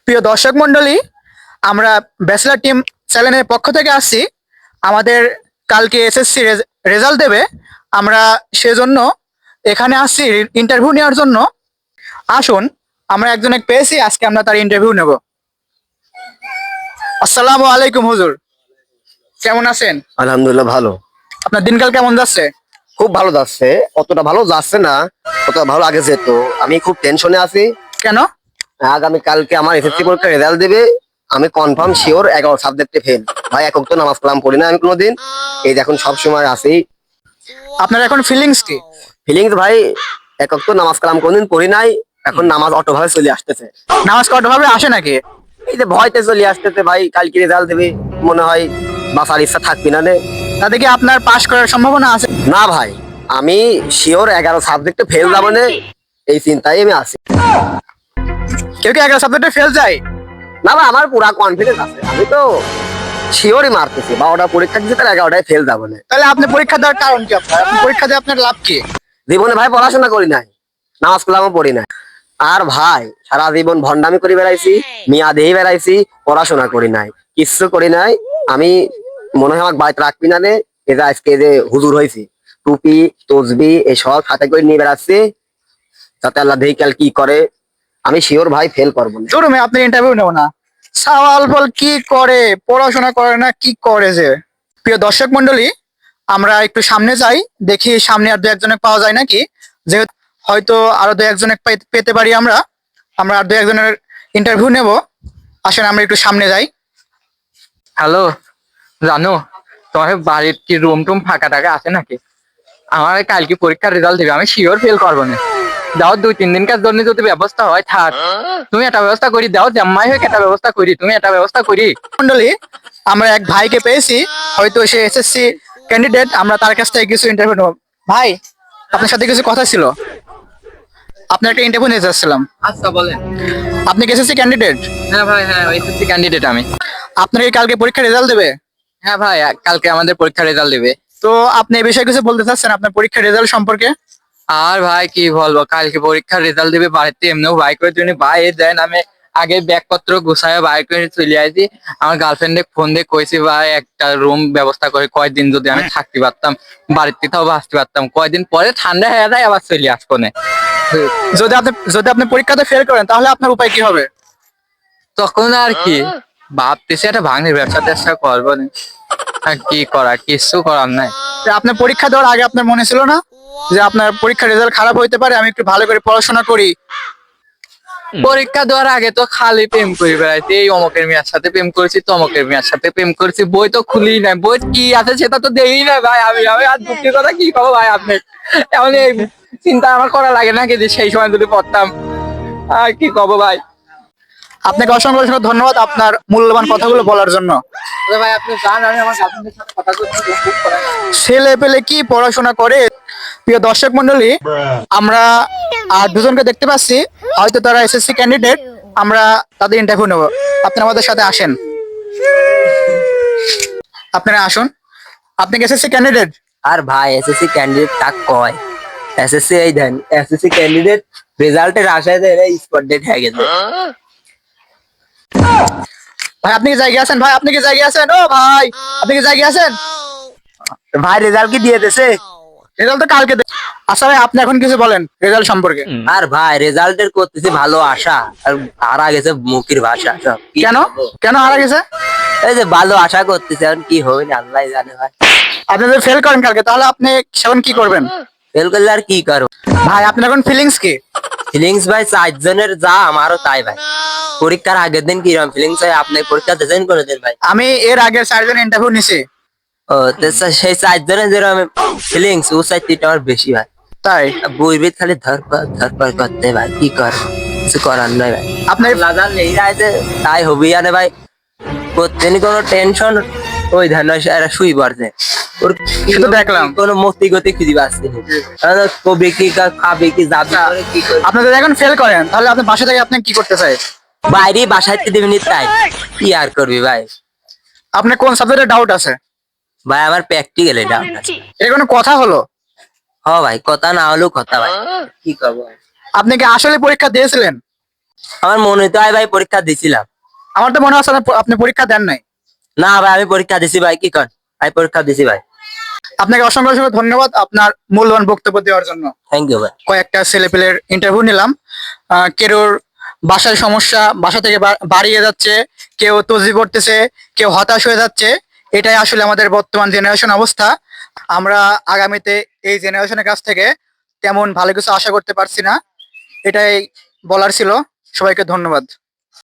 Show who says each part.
Speaker 1: প্রিয় দর্শক মন্ডলী, আমরা ব্যাচেলর টিম চ্যানেলের পক্ষ থেকে আসছি। আমাদের কালকে এসএসসি রেজাল্ট দেবে। আমরা সেজন্য এখানে আসছি ইন্টারভিউ নেওয়ার জন্য। আসুন, আমরা একজনকে পেয়েছি, আজকে আমরা তার ইন্টারভিউ নেব। আসসালামু আলাইকুম হুজুর, কেমন আছেন?
Speaker 2: আলহামদুলিল্লাহ ভালো।
Speaker 1: আপনার দিনকাল কেমন যাচ্ছে?
Speaker 2: খুব ভালো যাচ্ছে, অতটা ভালো যাচ্ছে না, অতটা ভালো আগে যেত। আমি খুব টেনশনে আছি।
Speaker 1: কেন?
Speaker 2: আগামী কালকে আমার এসএসসি পরীক্ষার রেজাল্ট দেবে। আমি কনফার্ম শিওর 11 সাবজেক্টে ফেল। ভাই একক তো নামাজ কালাম পড়ি না আমি কোনোদিন, এই দেখুন সব সময় আছি।
Speaker 1: আপনার এখন ফিলিংস কি?
Speaker 2: ফিলিংস ভাই, একক তো নামাজ কালাম কোনোদিন পড়ি নাই, এখন নামাজ অটো ভাবে চলে আসতেছে।
Speaker 1: নামাজ কঠোরভাবে আসে নাকি?
Speaker 2: এই যে ভয়তে চলে আসতেছে ভাই, কালকে রেজাল্ট দেবে, মনে হয় বাঁচার ইচ্ছা থাকবি না রে।
Speaker 1: তাতে কি আপনার পাশ করার সম্ভাবনা আছে?
Speaker 2: না ভাই, আমি শিওর 11 সাবজেক্টে ফেল যাবো না, এই চিন্তায় আমি আছি।
Speaker 1: কেউ কি 11 সাবজেক্টে ফেল যায়?
Speaker 2: না ভাই, আমার পুরা কনফিডেন্স আছে, আমি তো শিওরই মারতেছি। 12টা পরীক্ষা দিচ্ছে, তার 11টায় ফেল যাবো না।
Speaker 1: তাহলে আপনি পরীক্ষা দেওয়ার কারণ কি? আপনি পরীক্ষা দিয়ে আপনার লাভ কি?
Speaker 2: জীবনে ভাই পড়াশোনা করি নাই, নামাজ কালামও পড়ি নাই। আর ভাই সারা জীবন ভন্ডামি করে বেড়াইছি, মিয়া দেহি বেড়াইছি, পড়াশোনা করি নাই, কিচ্ছু করি নাই। আমি মনে হয় আমাকে বাড়িতে রাখবি না রে। এই যে আজকে যে হুজুর হয়েছি, টুপি তসবি এসব হাতে করে নিয়ে বেড়াচ্ছি, যাতে আল্লাহ দেহি কাল কি করে। আমি শিওর ভাই ফেল করবো না।
Speaker 1: শোরুমে আপনি ইন্টারভিউ নেব না? সওয়াল ফল কি করে, পড়াশোনা করে না, কি করে যে? প্রিয় দর্শক মন্ডলী, আমরা একটু সামনে যাই, দেখি সামনে আর দু একজনে পাওয়া যায় নাকি। যেহেতু হয়তো আরো দু একজনে পেতে পারি আমরা। আমরা আর দু একজনের ইন্টারভিউ নেব। আসেন আমরা একটু সামনে যাই।
Speaker 3: হ্যালো, জানো তোমার বাড়ির কি রুম টুম ফাঁকা টাকা আছে নাকি? আমার কালকে পরীক্ষার রেজাল্ট দেবে, আমি শিওর ফেল করবো না। দাও 2-3 দিনকার জন্য যদি ব্যবস্থা হয় থাক, তুমি একটা ব্যবস্থা করি দাও, জাম্মাই হয়ে একটা ব্যবস্থা করি, তুমি একটা ব্যবস্থা করি।
Speaker 1: মন্ডলী, আমরা এক ভাইকে পেয়েছি, হয়তো সে এসএসসি ক্যান্ডিডেট। আমরা তার কাছ থেকে কিছু ইন্টারভিউ নেব। ভাই, আপনার সাথে কিছু কথা ছিল, আপনার একটা ইন্টারভিউ নিতে চাচ্ছিলাম।
Speaker 3: আচ্ছা বলেন।
Speaker 1: আপনি কি এসএসসি ক্যান্ডিডেট?
Speaker 3: হ্যাঁ ভাই, হ্যাঁ এসএসসি ক্যান্ডিডেট আমি।
Speaker 1: আপনার কি কালকে পরীক্ষার রেজাল্ট দেবে?
Speaker 3: হ্যাঁ ভাই, কালকে আমাদের পরীক্ষার রেজাল্ট দেবে।
Speaker 1: তো আপনি এই বিষয়ে কিছু বলতে চাচ্ছেন আপনার পরীক্ষার রেজাল্ট সম্পর্কে?
Speaker 3: আর ভাই কি বলবো, কালকে পরীক্ষার রেজাল্ট দেবে, বাড়িতে এমনিও বাই করে তুমি ভাই দেন, আমি আগে ব্যাগপত্র গুছায় বাই করে চলে আসি। আমার গার্লফ্রেন্ডে ফোন দিয়ে কইছি ভাই একটা রুম ব্যবস্থা করে, কয়দিন যদি আমি থাকতে পারতাম, বাড়িতে তাও আসতে পারতাম, কয়দিন পরে ঠান্ডা হয়ে যায় আবার চলে আসবো না।
Speaker 1: যদি আপনি পরীক্ষাতে ফেল করেন, তাহলে আপনার উপায় কি হবে?
Speaker 3: তখন আর কি ভাবতেছি একটা ভাঙনের ব্যবসা ট্যাবসা করবো না। আর কি করা, কিছু করার নাই।
Speaker 1: যে আপনার পরীক্ষা দেওয়ার আগে আপনার মনে ছিল না যে আপনার পরীক্ষার রেজাল্ট খারাপ হইতে পারে, আমি একটু ভালো করে পড়াশোনা করি?
Speaker 3: পরীক্ষা দেওয়ার আগে তো খালি প্রেম করে বেড়াইছি, এই অমকের মেয়ের সাথে প্রেম করেছি, তমকের মেয়ের সাথে প্রেম করেছি, বই তো খুলি নাই, বই কি আছে সেটা তো দেই না ভাই। আমি আর দুঃখের কথা কি করবো ভাই, আপনি এমন এই চিন্তা আমার করা লাগে নাকি যে সেই সময় যদি পড়তাম। আর কি করবো ভাই।
Speaker 1: আপনাকে অসংখ্য অসংখ্য ধন্যবাদ আপনার মূল্যবান কথাগুলো বলার জন্য।
Speaker 3: ভাই আপনি জান, আমি আমার গার্লফ্রেন্ডের সাথে কথা বলছি, খুব করা নাই।
Speaker 1: ছেলে পেলে কি পড়াশোনা করে? প্রিয় দর্শক মন্ডলী, আমরা আর দুজনকে দেখতে পাচ্ছি, হয়তো তারা এসএসসি ক্যান্ডিডেট। আমরা তাদের ইন্টারভিউ নেব। আপনারা আমাদের সাথে আসেন, আপনারা আসুন। আপনি কি এসএসসি ক্যান্ডিডেট?
Speaker 2: আর ভাই এসএসসি ক্যান্ডিডেট কাক কয়? এসএসসি এই দেন, এসএসসি ক্যান্ডিডেট রেজাল্টের আশায় দেয় স্পট ডেট হয়ে গেছে।
Speaker 1: ভাই আপনি কি জায়গায় আছেন? ভাই আপনি কি জায়গায় আছেন? ও ভাই, আপনি কি জায়গায় আছেন?
Speaker 2: ভাই রেজাল্ট কি দিয়ে দিয়েছে?
Speaker 1: রেজাল্ট তো কালকে আচ্ছা ভাই, আপনি এখন কিছু বলেন রেজাল্ট সম্পর্কে।
Speaker 2: আর ভাই রেজাল্টের করতেছি ভালো আশা, আর হারা গেছে মুখের ভাষা সব। কি
Speaker 1: কেন?
Speaker 2: করবো?
Speaker 1: কেন হারা গেছে?
Speaker 2: এই যে ভালো আশা করতেছি, এখন কি হবে না আল্লাহ জানে ভাই।
Speaker 1: আপনি যদি ফেল করেন কালকে, তাহলে আপনি সেখন কি করবেন?
Speaker 2: ফেল করলে আর কি করবো
Speaker 1: ভাই আপনার এখন ফিলিংস কি?
Speaker 2: ফিলিংস ভাই 4 জনের যা আমারও তাই ভাই। পরীক্ষার আগের দিন কিরকম ফিলিংস হয়? আপনি পরীক্ষা দিয়েছেন কোনোদিন ভাই?
Speaker 1: আমি এর আগের 4 জন ইন্টারভিউ নিছি।
Speaker 2: ও তো সেই 4 জনের যেরকম ফিলিংস, ও সাইডটা আমার বেশি ভাই।
Speaker 1: তাই
Speaker 2: বইবিদ খালি ধরপর করতে ভাই, কি কর, কিছু করার নাই ভাই।
Speaker 1: আপনার
Speaker 2: লাগান এই রাইতে তাই হবি আনে ভাই, প্রতিদিন কোনো টেনশন ওই ধান এরা শুই পড়ছে। ওর
Speaker 1: সে তো দেখলাম।
Speaker 2: কোনো মস্তি গতি খুঁজে পাচ্ছি না, কবি কি খাবি কি যাবি করে কি করবি?
Speaker 1: আপনি যদি এখন ফেল করেন, তাহলে আপনি বাসা থেকে আপনি কি করতে চাই?
Speaker 2: বাইরে বাসায় দিবি নি, তাই কি আর করবি ভাই?
Speaker 1: আপনার কোন সাবজেক্টে ডাউট আছে?
Speaker 2: ভাই আমার প্র্যাকটিক্যাল এটা।
Speaker 1: এটা কোনো কথা হলো?
Speaker 2: হ ভাই, কথা না হলেও কথা ভাই, কি করবো?
Speaker 1: আপনি কি আসলে পরীক্ষা দিয়েছিলেন?
Speaker 2: আমার মনে তো হয় ভাই পরীক্ষা দিছিলাম।
Speaker 1: আমার তো মনে হচ্ছে আপনি পরীক্ষা দেন নাই।
Speaker 2: না ভাই আমি পরীক্ষা দিছি ভাই, কি কর আমি পরীক্ষা দিছি ভাই।
Speaker 1: আপনাকে অসংখ্য অসংখ্য ধন্যবাদ আপনার মূল্যবান বক্তব্য দেওয়ার জন্য।
Speaker 2: থ্যাংক ইউ ভাই।
Speaker 1: কয়েকটা ছেলেপেলের ইন্টারভিউ নিলাম। কেউর বাসার সমস্যা, বাসা থেকে বাড়িয়ে যাচ্ছে, কেউ তজি পড়তেছে, কেউ হতাশ হয়ে যাচ্ছে। এটাই আসলে আমাদের বর্তমান জেনারেশন অবস্থা। আমরা আগামীতে এই জেনারেশনের কাছ থেকে তেমন ভালো কিছু আশা করতে পারছি না। এটাই বলার ছিল। সবাইকে ধন্যবাদ।